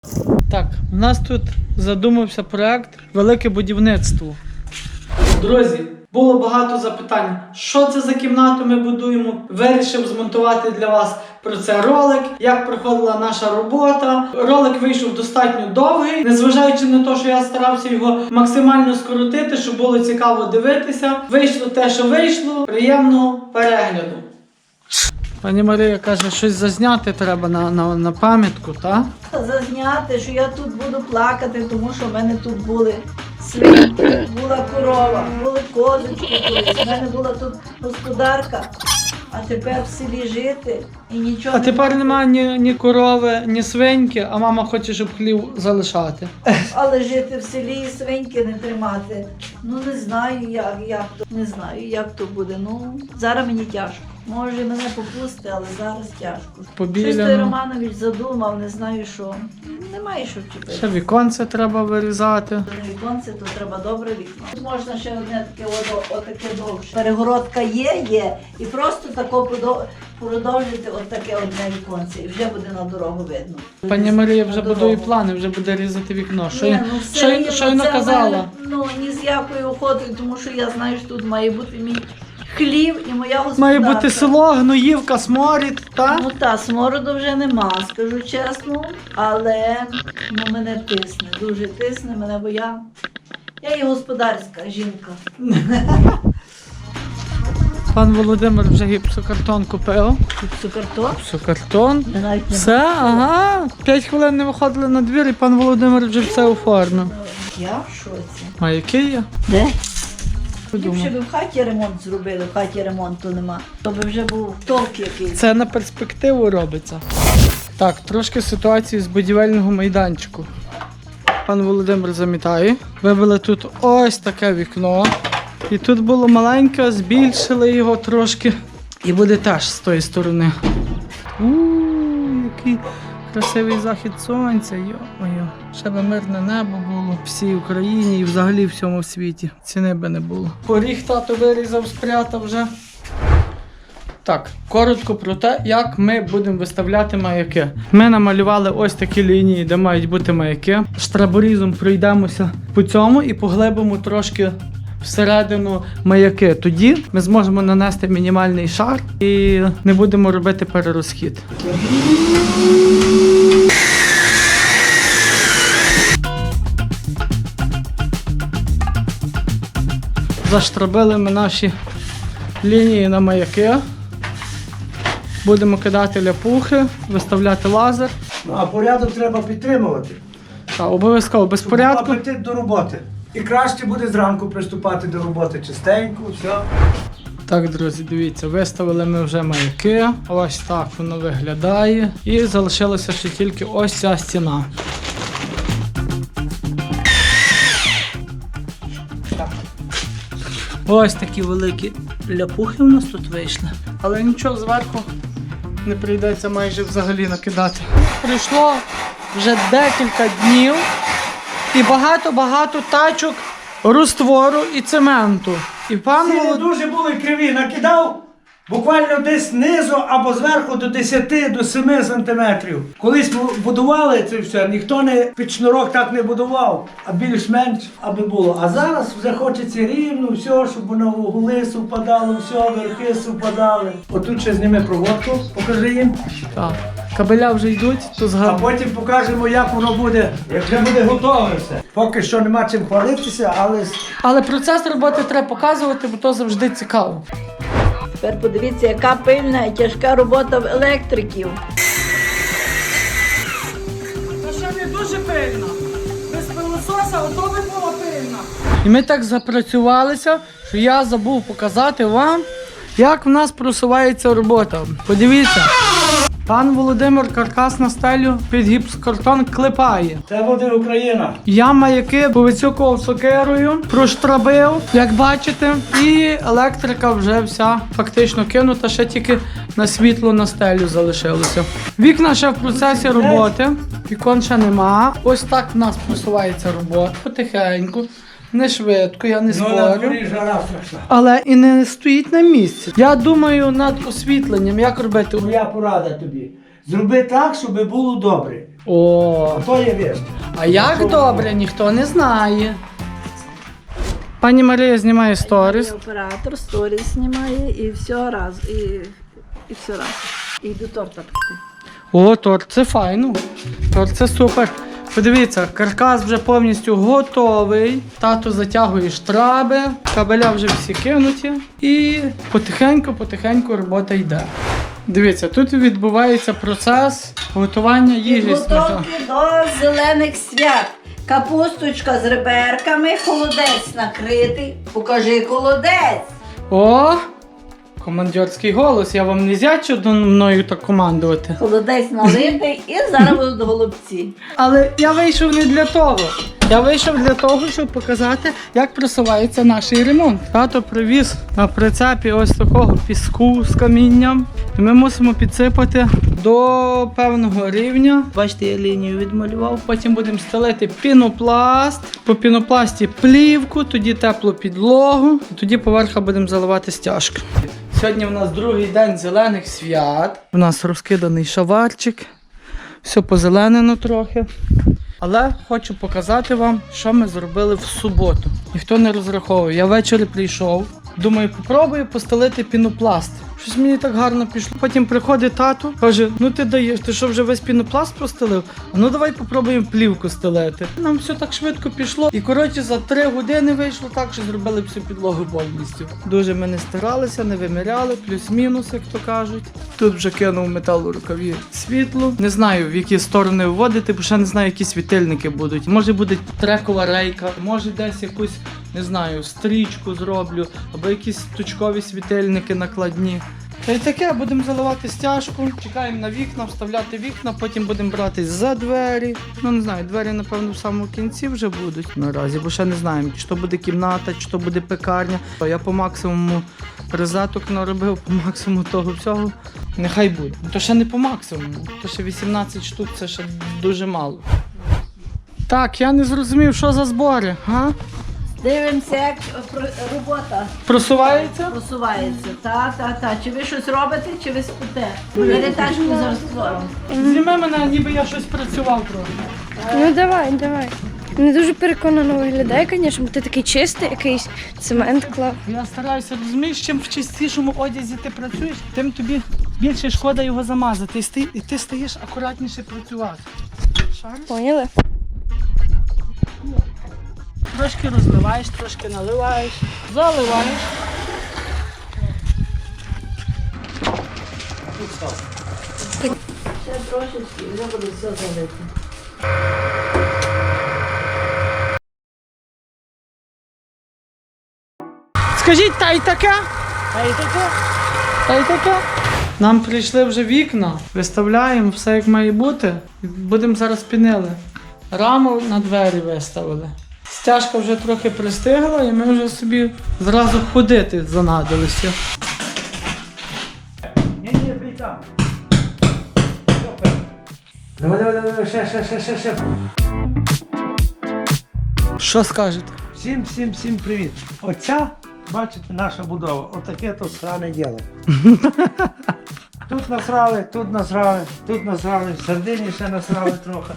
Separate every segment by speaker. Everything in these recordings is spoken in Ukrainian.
Speaker 1: Так, у нас тут задумався проект «Велике будівництво». Друзі, було багато запитань, що це за кімнату ми будуємо. Вирішив змонтувати для вас про це ролик, як проходила наша робота. Ролик вийшов достатньо довгий, незважаючи на те, що я старався його максимально скоротити, щоб було цікаво дивитися. Вийшло те, що вийшло. Приємного перегляду. Пані Марія каже, щось зазняти треба на пам'ятку, так?
Speaker 2: Зазняти, що я тут буду плакати, тому що в мене тут були свинки, була корова, були козочки колись. В мене була тут господарка, а тепер в селі жити і нічого.
Speaker 1: А тепер немає ні корови, ні свиньки, а мама хоче, щоб хлів залишати.
Speaker 2: Але жити в селі і свиньки не тримати. Ну не знаю, як то. Не знаю, як то буде. Ну, зараз мені тяжко. Може мене попусти, але зараз тяжко. Щось той Романович задумав, не знаю що. Немає що вчепити.
Speaker 1: Ще віконце треба вирізати.
Speaker 2: До віконце, то треба добре вікно. Тут можна ще одне таке отаке довше. Перегородка є, і просто тако продовжити отаке одне віконце, і вже буде на дорогу видно.
Speaker 1: Пані Марія вже будує плани, вже буде різати вікно. Що й
Speaker 2: це
Speaker 1: наказала?
Speaker 2: Ну, ні з якою охотою, тому що я знаю, що тут має бути мій хлів і моя господарка.
Speaker 1: Має бути село, гноївка, сморід, так?
Speaker 2: Ну так, смороду вже нема, скажу чесно, але мене тисне, дуже тисне мене, бо я і господарська жінка.
Speaker 1: Пан Володимир вже гіпсокартон купив.
Speaker 2: Гіпсокартон?
Speaker 1: Гіпсокартон.
Speaker 2: Навіть не
Speaker 1: Все, ага. 5 хвилин не виходили на двір і пан Володимир вже все оформив.
Speaker 2: Я в шоці.
Speaker 1: А який є?
Speaker 2: Де? Ліпше б в хаті ремонт зробили, в хаті ремонту нема. То би вже був толк якийсь.
Speaker 1: Це на перспективу робиться. Так, трошки ситуації з будівельного майданчику. Пан Володимир замітає. Вибили тут ось таке вікно. І тут було маленьке, збільшили його трошки. І буде теж з тої сторони. Який красивий захід сонця. Йо-моє. Ще би мирне небо було в всій Україні і взагалі в всьому світі. Ціни би не було. Поріг тато вирізав, спрятав вже. Так, коротко про те, як ми будемо виставляти маяки. Ми намалювали ось такі лінії, де мають бути маяки. Штраборізом пройдемося по цьому і поглибимо трошки всередину маяки. Тоді ми зможемо нанести мінімальний шар і не будемо робити перерозхід. Заштрабили ми наші лінії на маяки. Будемо кидати ляпухи, виставляти лазер.
Speaker 3: Ну, а порядок треба підтримувати.
Speaker 1: Так, обов'язково, без порядку.
Speaker 3: Апетит до роботи. І краще буде зранку приступати до роботи чистенько, все.
Speaker 1: Так, друзі, дивіться, виставили ми вже маяки. Ось так воно виглядає. І залишилося ще тільки ось ця стіна. Так. Ось такі великі ляпухи у нас тут вийшли. Але нічого, зверху не прийдеться майже взагалі накидати. Пройшло вже декілька днів і багато-багато тачок розтвору і цементу. І пан
Speaker 3: Ціни дуже були криві. Накидав буквально десь знизу або зверху до 10 до 7 сантиметрів. Колись будували це все, ніхто під шнурок так не будував, а більш-менш аби було. А зараз вже хочеться рівно, все, щоб воно угли совпадало, все, верхи совпадали. Отут ще зніми проводку, покажи їм.
Speaker 1: Так. Кабеля вже йдуть, то
Speaker 3: А
Speaker 1: згадую.
Speaker 3: потім покажемо, як воно буде, як вже буде готове все. Поки що нема чим хвалитися, але...
Speaker 1: Але процес роботи треба показувати, бо то завжди цікаво.
Speaker 2: Тепер подивіться, яка пильна і тяжка робота в електриків.
Speaker 1: Та ще не дуже пильно. Без пилососа ото би було пильно. І ми так запрацювалися, що я забув показати вам, як в нас просувається робота. Подивіться. Пан Володимир каркас на стелю під гіпсокартон клепає.
Speaker 3: Це буде Україна.
Speaker 1: Я маяки повицюкував сокирою, проштрабив, як бачите, і електрика вже вся фактично кинута, ще тільки на світло на стелю залишилося. Вікна ще в процесі роботи, вікон ще нема. Ось так в нас просувається робота, потихеньку. Не швидко, я не
Speaker 3: Ну, на
Speaker 1: спорю.
Speaker 3: дворі жара страшна.
Speaker 1: Але і не стоїть на місці. Я думаю над освітленням, як робити.
Speaker 3: Моя порада тобі. Зроби так, щоб було добре.
Speaker 1: О,
Speaker 3: То є вірш.
Speaker 1: а як добре, ніхто не знає. Пані Марія знімає сторіс.
Speaker 2: Оператор сторіс знімає і все раз. І все раз. І до торта пекти.
Speaker 1: О, торт, це файно. Торт, це супер. Подивіться, каркас вже повністю готовий. Тато затягує штраби, кабеля вже всі кинуті. І потихеньку робота йде. Дивіться, тут відбувається процес готування їжі.
Speaker 2: Підготовки до зелених свят. Капусточка з реберками, холодець накритий. Покажи холодець.
Speaker 1: О! Командирський голос, я вам не зячу до мною так командувати.
Speaker 2: Холодець налитий і зараз будуть голубці.
Speaker 1: Але я вийшов не для того. Я вийшов для того, щоб показати, як просувається наш ремонт. Тато привіз на прицепі ось такого піску з камінням. І ми мусимо підсипати до певного рівня. Бачите, я лінію відмалював. Потім будемо стелити пінопласт. По пінопласті плівку, тоді теплу підлогу. І тоді поверха будемо заливати стяжки. Сьогодні в нас другий день зелених свят. У нас розкиданий шаварчик. Все позеленено трохи. Але хочу показати вам, що ми зробили в суботу. Ніхто не розраховує. Я ввечері прийшов. Думаю, попробую постелити пінопласт. Щось мені так гарно пішло. Потім приходить тато, каже, ну ти даєш, ти що вже весь пінопласт постелив? А ну давай попробуємо плівку стелити. Нам все так швидко пішло. І коротше за 3 години вийшло так, що зробили всю підлогу повністю. Дуже ми не старалися, не виміряли, плюс-мінус, як то кажуть. Тут вже кинув металорукаві світло. Не знаю, в які сторони вводити, бо ще не знаю, які світильники будуть. Може буде трекова рейка, може десь якусь, не знаю, стрічку зроблю, або якісь точкові світильники накладні. Та й таке, будемо заливати стяжку, чекаємо на вікна, вставляти вікна, потім будемо братись за двері. Ну не знаю, двері, напевно, в самому кінці вже будуть наразі, бо ще не знаємо, чи то буде кімната, чи то буде пекарня. Я по максимуму розеток наробив, по максимуму того всього. Нехай буде. То ще не по максимуму, то ще 18 штук, це ще дуже мало. Так, я не зрозумів, що за збори, га?
Speaker 2: Дивимося, як робота
Speaker 1: Просувається?
Speaker 2: просувається. Та. Чи ви щось робите, чи ви спите? Перетачку зараз створимо.
Speaker 1: Зніми мене, ніби я щось працював трохи.
Speaker 4: Ну давай. Не дуже переконано виглядає, звісно, бо ти такий чистий, якийсь цемент клав.
Speaker 1: Я стараюся, розумієш, чим в чистішому одязі ти працюєш, тим тобі більше шкода його замазати. І ти стаєш акуратніше працювати. Шариш?
Speaker 4: Поняли?
Speaker 1: Трошки розливаєш, трошки наливаєш, заливаєш.
Speaker 2: Ще трошечки, і вже буде все залити.
Speaker 1: Скажіть, та й таке? Та й таке? Нам прийшли вже вікна, виставляємо все як має бути. Будемо зараз пінили. Раму на двері виставили. Стяжка вже трохи пристигла і ми вже собі зразу ходити занадилися.
Speaker 3: Ні, бій там. Давай, ще.
Speaker 1: Що скажете?
Speaker 3: Всім привіт. Оця, бачите, наша будова. Отаке то сране діло. Тут насрали, в середині ще насрали трохи.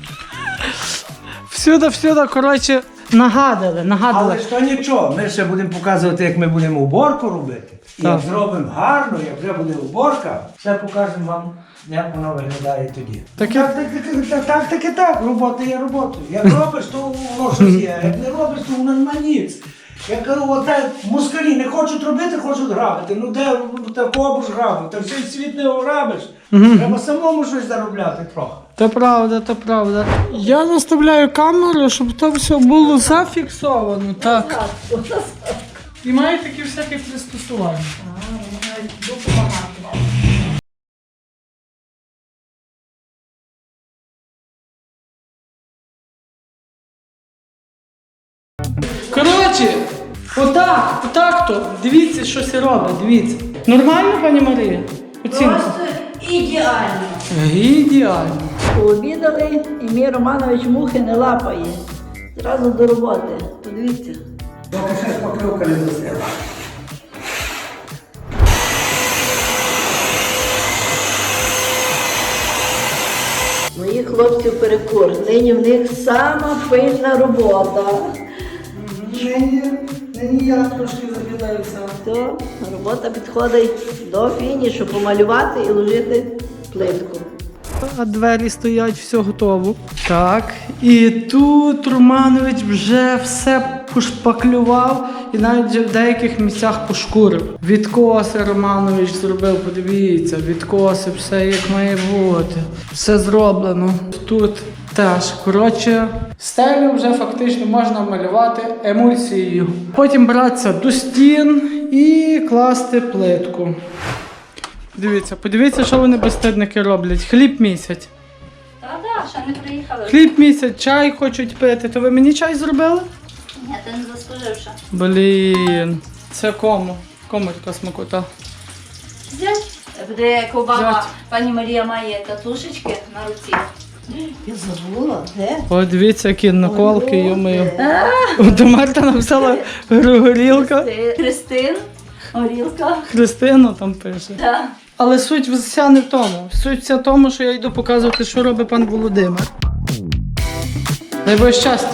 Speaker 1: Всюди, коротше, нагадали.
Speaker 3: Але ж то нічого, ми ще будемо показувати, як ми будемо уборку робити. І як
Speaker 1: Так.
Speaker 3: зробимо гарно, як вже буде уборка, все покажемо вам, як воно виглядає тоді. Так, робота є роботою. Як робиш, то воно щось є, як не робиш, то воно нема ніц. Я кажу, оте москалі не хочуть робити, хочуть грабити. Ну де такого ж грабити, та всій світ не ограбиш. Треба самому щось заробляти трохи.
Speaker 1: То правда. Я наставляю камеру, щоб то все було зафіксовано. Так. І має такі всякі пристосування. Коротше, отак то. Дивіться, що це робить, дивіться. Нормально, пані Марія? Оцінка?
Speaker 2: Просто ідеально.
Speaker 1: Ідеально.
Speaker 2: Пообідали, і мій Романович мухи не лапає. Зразу до роботи. Подивіться.
Speaker 3: Поки ще покривка не засила.
Speaker 2: Мої хлопців перекур. Нині в них сама пильна робота.
Speaker 1: Нині я трошки забідаюся.
Speaker 2: То робота підходить до фінішу, помалювати і ложити плитку.
Speaker 1: А двері стоять, все готово. Так, і тут Романович вже все пошпаклював і навіть вже в деяких місцях пошкурив. Відкоси Романович зробив, подивіться, відкоси, все як має бути. Все зроблено. Тут теж, коротше, стелю вже фактично можна малювати емульсією. Потім братися до стін і класти плитку. Подивіться, що вони безстидники роблять. Хліб місяць.
Speaker 5: Та-да, ще не приїхали.
Speaker 1: Хліб місяць, чай хочуть пити. То ви мені чай зробили?
Speaker 5: Ні, ти не заслужив ще.
Speaker 1: Блін. Це кому? Кому така смакота?
Speaker 5: Взять. Буде як Обама,
Speaker 1: Взять.
Speaker 5: пані Марія має татушечки на руці.
Speaker 2: Я забула, де?
Speaker 1: О, дивіться, які наколки,
Speaker 2: Ой,
Speaker 1: йомою.
Speaker 2: де?
Speaker 1: До Марта написала горілка.
Speaker 5: Христин, горілка.
Speaker 1: Христина там пише.
Speaker 5: Да.
Speaker 1: Але суть вся не в тому. Суть вся в тому, що я йду показувати, що робить пан Володимир. Дай Боже щастя.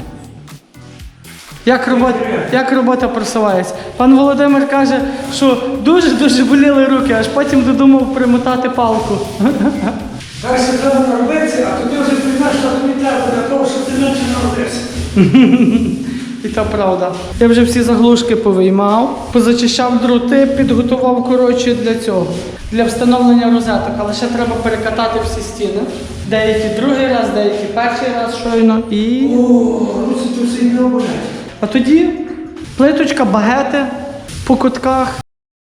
Speaker 1: Як робота просувається? Пан Володимир каже, що дуже-дуже боліли руки, аж потім додумав примотати палку.
Speaker 3: Перше треба наробитися, а тоді вже приймеш, що тобі треба для того, щоб ти менше народився.
Speaker 1: І та правда. Я вже всі заглушки повиймав, позачищав дроти, підготував, коротше, для цього. Для встановлення розеток, але ще треба перекатати всі стіни. Деякі другий раз, деякі перший раз щойно. І...
Speaker 3: Ну це тут все не оболять.
Speaker 1: А тоді плиточка, багети по кутках.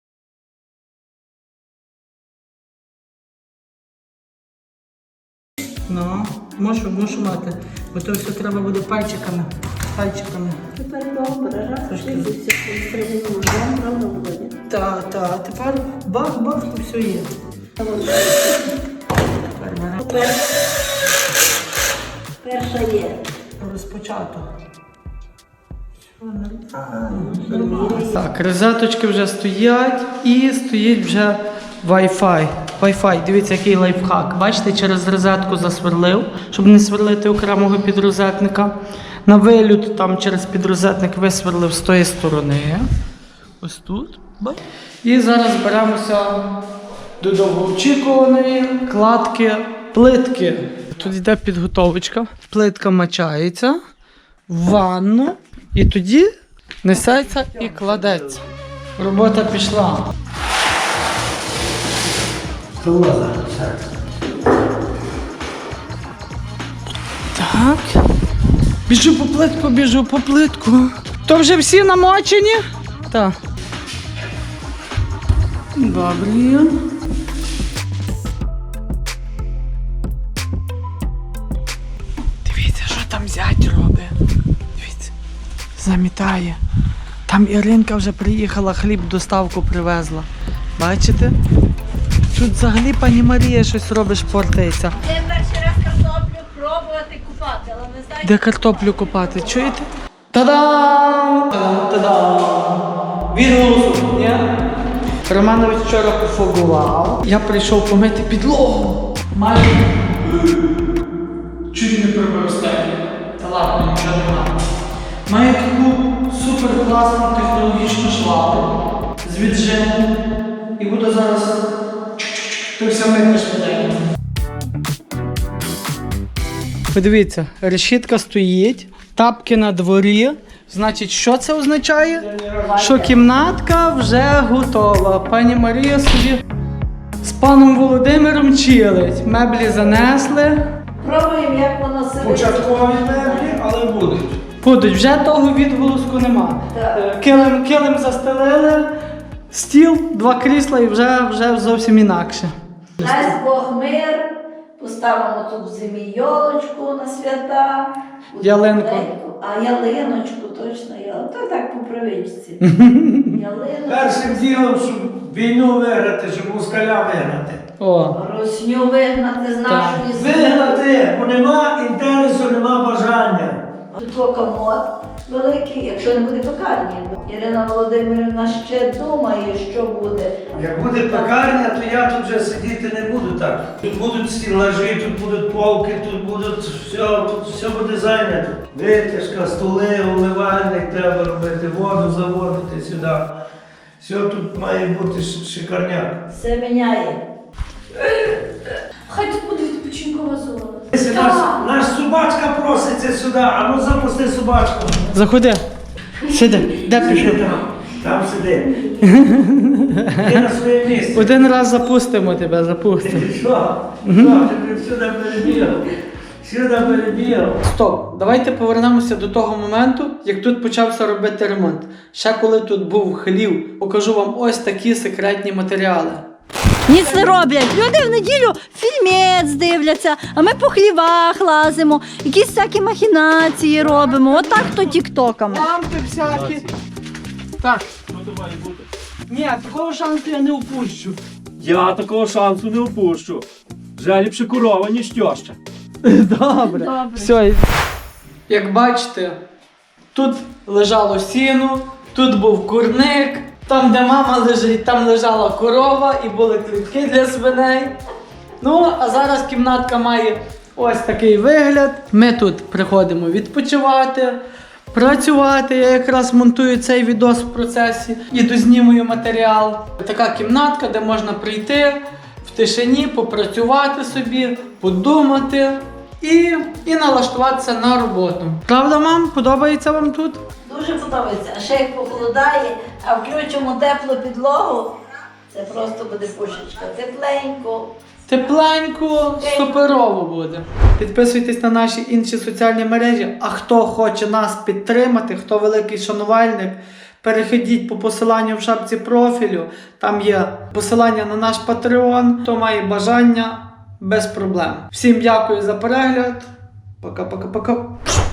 Speaker 1: Ну, мушу мати, бо то все треба буде пальчиками.
Speaker 2: Тепер добре, раз, шибуться, приймемо вже, правда, Володя?
Speaker 1: Та, тепер бах-бах і все є.
Speaker 2: Перша є.
Speaker 1: Розпочато. Так, розеточки вже стоять і стоїть вже Wi-Fi. Wi-Fi, дивіться, який лайфхак. Бачите, через розетку засверлив, щоб не сверлити окремого підрозетника. На вилют там через підрозетник висверлив з тої сторони. Ось тут. І зараз беремося до довгоочікуваної кладки плитки. Тут йде підготовочка. Плитка мачається в ванну і тоді несеться і кладеться. Робота пішла. Так. Біжу по плитку. То вже всі намочені? Так. Добре. Дивіться, що там зять робить. Дивіться. Замітає. Там Іринка вже приїхала, хліб доставку привезла. Бачите? Тут взагалі пані Марія щось робить, шпортається.
Speaker 5: Я перший раз картоплю пробувати купати, але не знаю.
Speaker 1: Де картоплю копати, чуєте? Та-дам! Та-дам! Відгусу, ні? Романович вчора пофогував. Я прийшов помити підлогу. Майже чуть не прибив стелю. Та ладно, нічого немає. Маю таку супер класну технологічну швабру з віджимом. І буду зараз ти все мити швиденько. Подивіться, решітка стоїть, тапки на дворі. Значить, що це означає? Що кімнатка вже готова. Пані Марія собі з паном Володимиром чилить. Меблі занесли.
Speaker 2: Пробуємо, як воно себе.
Speaker 3: Початкові меблі, але будуть.
Speaker 1: Будуть, вже того відголоску нема.
Speaker 2: Так.
Speaker 1: Килим застелили, стіл, 2 крісла і вже зовсім інакше.
Speaker 2: Дасть Бог мир, поставимо тут в зимі йолочку на свята.
Speaker 1: Ялинку.
Speaker 2: А ялиночку, точно ялинку. То так по привичці. Ялиночку.
Speaker 3: Першим ділом, щоб війну виграти, щоб москаля виграти.
Speaker 1: О,
Speaker 2: Росню вигнати з нашої землі.
Speaker 3: Виграти, бо нема інтересу, нема бажання.
Speaker 2: Тут комод великий, якщо не буде пекарні. Ірина Володимирівна ще думає, що буде.
Speaker 3: Як буде пекарня, то я тут вже сидіти не буду так. Тут будуть стілажі, тут будуть полки, тут все буде зайнято. Витяжка, столи, умивальник треба робити, воду заводити сюди. Все тут має бути шикарняк.
Speaker 2: Все міняє.
Speaker 5: Хай тут буде відпочинкова зона.
Speaker 3: Наш собачка проситься сюди, а ну запусти собачку.
Speaker 1: Заходи. Сиди. Де пішов?
Speaker 3: Там сиди. Ти на своє місце.
Speaker 1: Один раз запустимо тебе, запустимо.
Speaker 3: Що? Ти сюди перебігав? Сюди перебігав.
Speaker 1: Стоп, давайте повернемося до того моменту, як тут почався робити ремонт. Ще коли тут був хлів, покажу вам ось такі секретні матеріали.
Speaker 2: Ніц не роблять. Люди в неділю фільмець дивляться, а ми по хлівах лазимо, якісь всякі махінації робимо. Отак то тіктоками.
Speaker 1: Лампи всякі. Так.
Speaker 6: Що то має бути?
Speaker 1: Ні, такого шансу я не упущу.
Speaker 6: Я такого шансу не упущу. Вже ліпше корова, ніж тьоща.
Speaker 1: Добре. Все. Як бачите, тут лежало сіно, тут був курник, там, де мама лежить, там лежала корова і були клітки для свиней. Ну, а зараз кімнатка має ось такий вигляд. Ми тут приходимо відпочивати, працювати. Я якраз монтую цей відос в процесі і дознімую матеріал. Така кімнатка, де можна прийти в тишині, попрацювати собі, подумати і налаштуватися на роботу. Правда, мам? Подобається вам тут?
Speaker 2: Дуже подобається. А ще як похолодає, а включимо теплу підлогу, це просто буде пушечка. Тепленько.
Speaker 1: Тепленько, суперово буде. Підписуйтесь на наші інші соціальні мережі. А хто хоче нас підтримати, хто великий шанувальник, переходіть по посиланню в шапці профілю. Там є посилання на наш Patreon. Хто має бажання, без проблем. Всім дякую за перегляд. Пока-пока-пока.